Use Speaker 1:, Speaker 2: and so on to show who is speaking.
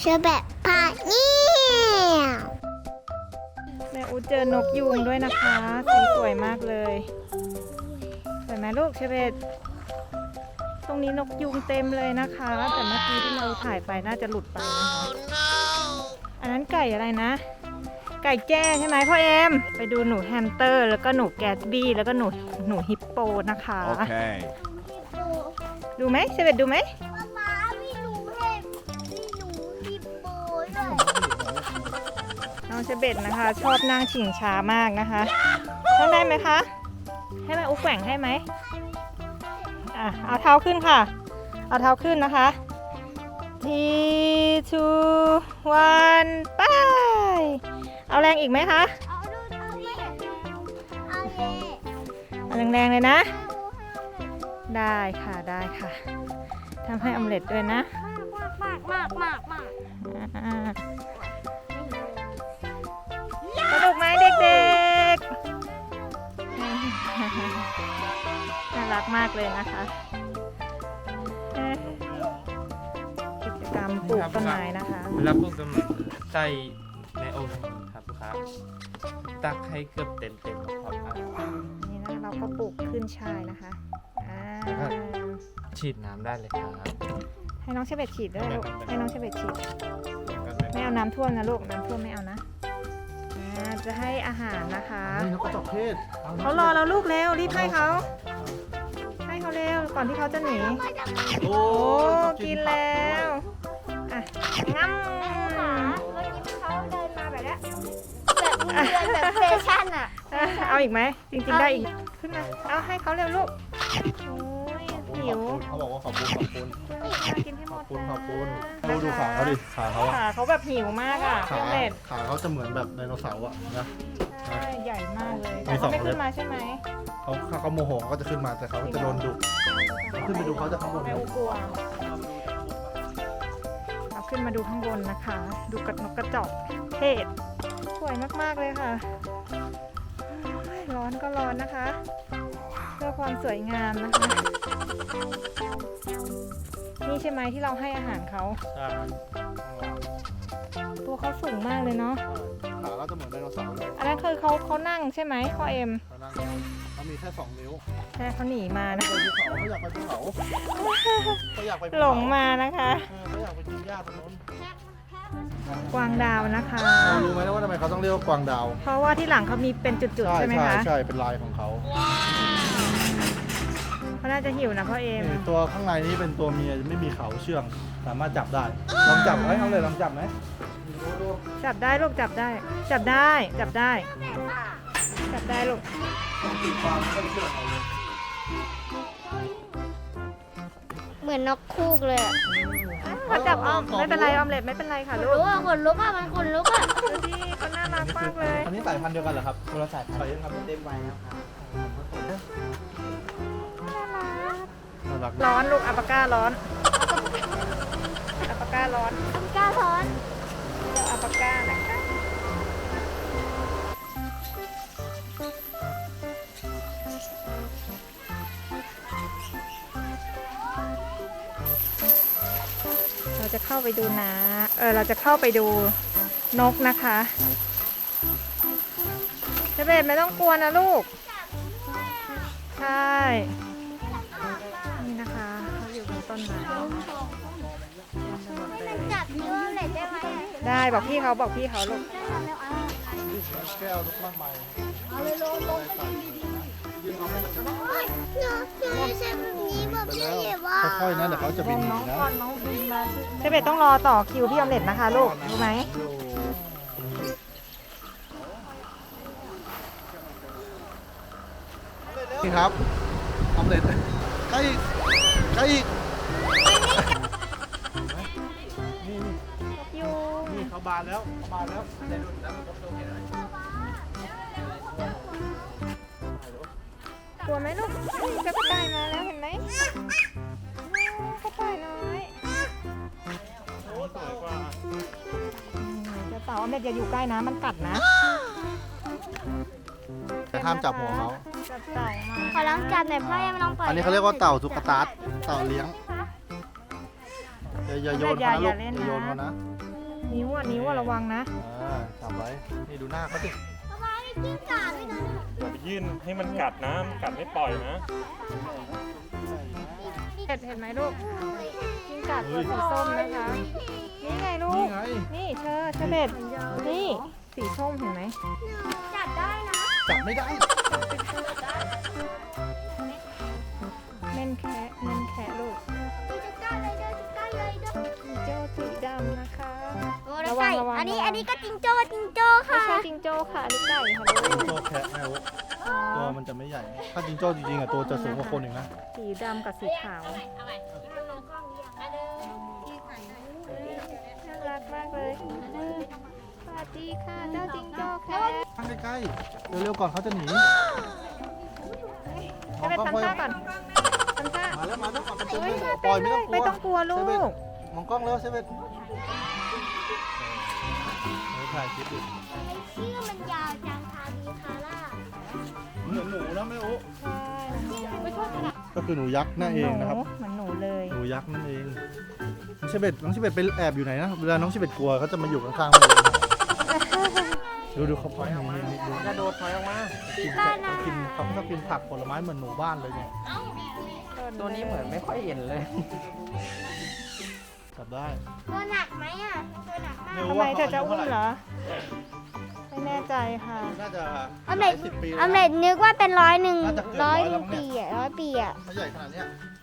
Speaker 1: เชอแบบพาเนี่ย
Speaker 2: แม่อูเจอนกยูงด้วยนะคะสีสวยมากเลยสวยไหมลูกเชเบตตรงนี้นกยูงเต็มเลยนะคะ แต่เมื่อกี้ที่เราถ่ายไปน่าจะหลุดไปนะคะอันนั้นไก่อะไรนะ ไก่แจ้ใช่ไหมพ่อเอ็มไปดูหนูแฮมสเตอร์แล้วก็หนูแกตบี้แล้วก็หนูฮิปโปนะคะ
Speaker 3: Okay.
Speaker 2: ดูไหมเชเบตดูไหม
Speaker 1: ป๊าไม่รู้เห็บไม่รู้ฮิปโปด้วย
Speaker 2: น้องเชเบตนะคะ ชอบนั่งชิงช้ามากนะคะนั่งได้ไหมคะให้แม่อุ๊กแกว่งให้ไหมเอาเท้าขึ้นค่ะเอาเท้าขึ้นนะคะ 3 2 1 ไปเอาแรงอีกไหมคะ
Speaker 1: เอาดูเอาเย่เอาเย่
Speaker 2: เอาแรงๆเลยนะได้ค่ะได้ค่ะทำให้ออมเล็ตด้วยนะ
Speaker 1: มาก
Speaker 2: อ่าสนุกไหมเด็กๆ น่ารักมากเลยนะคะกิจกรรมปลูกต้นไม้นะคะ
Speaker 4: เวลาปลูกต้นไม้ใส่ในโอ่งครับลูกค้าตักให้เกือบเต็มครับ
Speaker 2: นี่นะเราก็ปลูกขึ้นช่ายนะคะอ่า
Speaker 4: ฉีดน้ำได้เลยครับ
Speaker 2: ให้น้องเชเบตฉีดด้วยลูกให้น้องเชเบตฉีดไม่เอาน้ำท่วมนะลูกน้ำท่วมไม่เอานะจะให้อาหารนะคะ
Speaker 3: นี่นกกระจอกเทศ
Speaker 2: เขารอเราลูกเร็วรีบให้เขาเร็วก่อนที่เขาจะหนี
Speaker 3: โอ้
Speaker 2: โอ้กินแล้วอ่ะงั้ม
Speaker 1: เมื่อกี้เขาเดินมาแบบนี้แบบแฟชั่นอ่ะ
Speaker 2: เอาอีกไหมจริงๆได้อีกขึ้นมาเอาให้เขาเร็วลูกโอ้ยหิว
Speaker 3: เขาบอกว่าขอบคุณ
Speaker 2: กินให้หมด
Speaker 3: ขอบคุณดูขาเขาดิขาเขาอะ
Speaker 2: ขาเขาแบบหิวมากอ่ะ
Speaker 3: ขา
Speaker 2: เล็ด
Speaker 3: ขาเขาจะเหมือนแบบไดโนเสาร์อะนะ
Speaker 2: ใช่ใหญ่มากเลย
Speaker 3: มี
Speaker 2: แต่
Speaker 3: สอ
Speaker 2: เขา
Speaker 3: ง
Speaker 2: ไม่
Speaker 3: เล็
Speaker 2: ขึ้
Speaker 3: บ
Speaker 2: นมาใช่ไหม
Speaker 3: เขาโมโหเขาก็จะขึ้นมาแต่เขาจะโดนดุ ขึ้นไปดูเขาจากข้างบน
Speaker 2: แม่อูกลัวเอาขึ้นมาดูข้างบนนะคะ ดูกระนกกระจอกเทศสวยมากๆเลยค่ะโอ้ยร้อนก็ร้อนนะคะ เพื่อความสวยงามนะคะ นี่ใช่ไหมที่เราให้อาหารเขา
Speaker 3: ใช่
Speaker 2: ตัวเขาสูงมากเลยเนาะ
Speaker 3: ขาเขาจะเหมือนไดโนเสาร์เลย
Speaker 2: อันนั้นคือเขานั่งใช่ไหมพ่อเอ็ม
Speaker 3: เขานั่งเขามีแค่2 นิ้ว
Speaker 2: แค่เขาหนีมานะ
Speaker 3: ไปภูเขาเขาอยากไปภูเขาเขาอยากไปภูเขา
Speaker 2: หลงมานะคะ
Speaker 3: เขาอยากไปกินหญ้าตรงนู้น
Speaker 2: กวางดาวนะคะ
Speaker 3: รู้ไหมว่าทำไมเขาต้องเรียกว่ากวางดาว
Speaker 2: เพราะว่าที่หลังเขามีเป็นจุดๆใช่ไหมคะ
Speaker 3: ใช่เป็นลายของเขา
Speaker 2: เขาน่าจะหิวนะพ่อเอ็ม
Speaker 3: นี่ตัวข้างในนี้เป็นตัวเมียไม่มีเขาเชื่อง สามารถจับได้ ลองจับไหมเอาเลยลองจับไหมดู
Speaker 2: จับได้ลูกจับได้ จับได้จับได้ จับได้ลูก
Speaker 3: ต้องตีความไม่เชื่องเอาเลย
Speaker 1: เหมือนนกคูกเลยอ่ะ
Speaker 2: เขาจับอ้อมไม่เป็นไรออมเล็ตไม่เป็นไรค่ะลูก
Speaker 1: ขนลุกอ่ะมันขนลุกอ่ะ
Speaker 2: ดูดิเขาน่ารักมากเลย
Speaker 3: อันนี้สายพันธุ์เดียวกันเหรอครับคนละสายพันธุ์ยังทำเต็มไว้นะครับน่ารัก
Speaker 2: ร้อนลูกอัปปาก้าร้อนอัปปาก้าร้อน
Speaker 1: กล้าท้อน
Speaker 2: เดี๋ยวอัปปาก้านะคะเราจะเข้าไปดูนะเราจะเข้าไปดูนกนะคะเจเบตไม่ต้องกลัวนะลูก ใช่ นี่นะคะเขาอยู่บนต้นไม้
Speaker 1: จับนิ้วเลยได้ไหม
Speaker 2: ได้บอกพี่เขาบอกพี่เขาลูก
Speaker 3: แก้วลูกมากมาย
Speaker 1: เอาเลยลงหนูไม่ใช่แบบนี้แบบนี้ว่า
Speaker 3: ค่อยๆนะเดี๋ยวเขาจะบินหนีนะ
Speaker 2: เจเบตต้องรอต่อคิวพี่ออมเล็ตนะคะลูกรู้ไหม
Speaker 3: นี่ครับออมเล็ตใกล้ใกล้อีกนี่
Speaker 2: ยูง
Speaker 3: นี่เขาบานแล้วเขาบานแล้ว
Speaker 2: กลัวไหมลูกกระต่ายมาแล้วเห็นไหมกระต่ายน้อย
Speaker 3: โอ้สวยกว่า
Speaker 2: จะเต่าออมเล็ตอย่าอยู่ใกล้นะมันกัดนะ
Speaker 3: แต่ห้ามจับหัวเขา
Speaker 2: จับเต่ามา
Speaker 1: ขอลองจับหน่อยพ่อยังลองปล่อย
Speaker 3: อันนี้เขาเรียกว่าเต่าตุ๊กตาเต่าเลี้ยงอย่าโยนเขานะลูกอย่าโยนเขานะ
Speaker 2: อนิ้วอะระวังนะ
Speaker 3: จับไว้นี่ดูหน้าเขาสิ
Speaker 1: ประมาณนี้กิ้งก่าด้วยนะ
Speaker 5: อย่าไปยื่นให้มันกัดนะ มันกัดไม่ปล่อยนะ
Speaker 2: เห็นไหมลูกกิ้งก่าตัวสีส้มนะคะ นี่ไงลู
Speaker 3: นี่
Speaker 2: ก
Speaker 3: ไง
Speaker 2: นี่เชอเบ็ดนี่สีส้มเห็นไหม
Speaker 1: จับได้นะ
Speaker 3: จับไม่ได้
Speaker 2: เม่นแคะลูก
Speaker 1: จะกล้าเลยเด้อจะกล้าเลยเด้อ
Speaker 2: จิงโจ้สีดำนะคะ
Speaker 1: โอ้แล้วไก่
Speaker 2: ระวัง
Speaker 1: อันนี้ก็จิงโจ้
Speaker 2: ไม่
Speaker 1: ค่ะ
Speaker 2: ใช่จิงโจ้ค่ะนี่ไก่ค่ะลูก
Speaker 3: จิงโจ้แคะแมว
Speaker 2: อ๋อ
Speaker 3: ตัวมันจะไม่ใหญ่ ถ้าจิงโจ้จริงๆอ่ะตัวจะสูงกว่าคนอีกนะ
Speaker 2: สีดำกับสีขาว น่ารักมากเลยสวัสดีค่ะเจ้าจิงโจ้แคะ
Speaker 3: ข้างใกล้ๆเร็วๆก่อนเขาจะหนี
Speaker 2: จะไปทำท่าก่อนทำท่า
Speaker 3: มาแล้วก่อนกระตุ้น
Speaker 2: เฮ้ย
Speaker 3: ปล่อย
Speaker 2: ไม่ต้องกลัวลู
Speaker 3: เซเว่น
Speaker 2: ก
Speaker 3: มองกล้องแล้วเซเว่นถ่ายคลิปดิ
Speaker 1: ชื่อมันยาวจังคาบีคาร่า
Speaker 3: เหมือนหนูนะแม่โอ๊
Speaker 2: ใช่
Speaker 3: ก็คือหนูยักษ์นั่นเองนะครับ
Speaker 2: เหมือนหนูเลย
Speaker 3: หนูยักษ์นั่นเองน้องชิเบตไปแอบอยู่ไหนนะ เวลาน้องชิเบตกลัวเขาจะมาอยู่ข้างๆเลยดูเขาพอยนี่ดู
Speaker 5: กระโดดถอยออกมา
Speaker 3: กินเขาชอบกินผักผลไม้เหมือนหนูบ้านเลยเนี่ย
Speaker 5: ตัวนี้เหมือนไม่ค่อยเห็นเลย
Speaker 3: จับได้
Speaker 1: ตัวหนักไหมอ่ะตัวหนักมาก
Speaker 2: ทำไมเธอจะอุ้มเหรอ ไม่แน่ใจค่ะ
Speaker 3: น่าจะ
Speaker 1: ออมเล็ต
Speaker 3: 10 ปี
Speaker 1: ออมเล็ตนึกว่าเป็น100
Speaker 3: น่าจะเกิน
Speaker 1: ร้อย
Speaker 3: 100แล้วมั้ง
Speaker 1: ปี
Speaker 3: เนี่ย
Speaker 1: อ่ะ100 ปีอ่ะ
Speaker 3: ถ้าใหญ่ขนาดเนี้ย